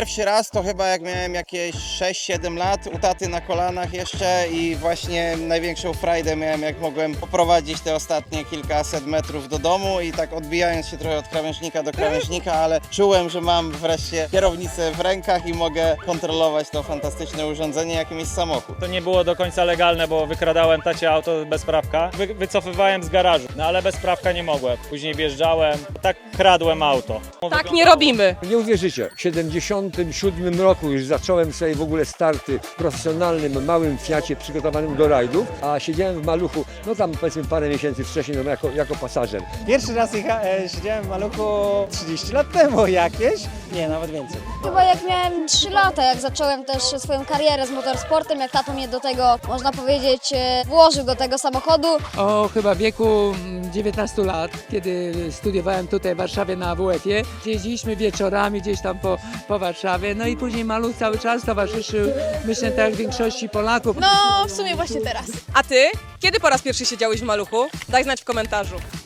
Pierwszy raz to chyba jak miałem jakieś 6-7 lat, u taty na kolanach jeszcze i właśnie największą frajdę miałem, jak mogłem poprowadzić te ostatnie kilkaset metrów do domu i tak odbijając się trochę od krawężnika do krawężnika, ale czułem, że mam wreszcie kierownicę w rękach i mogę kontrolować to fantastyczne urządzenie, jakim jest samochód. To nie było do końca legalne, bo wykradałem tacie auto bez prawka. Wycofywałem z garażu, no ale bez prawka nie mogłem. Później wjeżdżałem, tak kradłem auto. Tak nie robimy. Nie uwierzycie, w 77 roku już zacząłem sobie w ogóle starty w profesjonalnym, małym Fiacie przygotowanym do rajdów, a siedziałem w maluchu, no tam powiedzmy parę miesięcy wcześniej, no, jako pasażer. Pierwszy raz siedziałem w maluchu 30 lat temu jakieś, nie, nawet więcej. Chyba jak miałem 3 lata, jak zacząłem też swoją karierę z motorsportem, jak tato mnie do tego, można powiedzieć, włożył do tego samochodu. O chyba wieku 19 lat, kiedy studiowałem tutaj w Warszawie na WF-ie. Jeździliśmy wieczorami gdzieś tam po Warszawie, no i później maluch cały czas towarzyszył, myślę, tak jak większości Polaków. No, w sumie właśnie teraz. A ty? Kiedy po raz pierwszy siedziałeś w maluchu? Daj znać w komentarzu.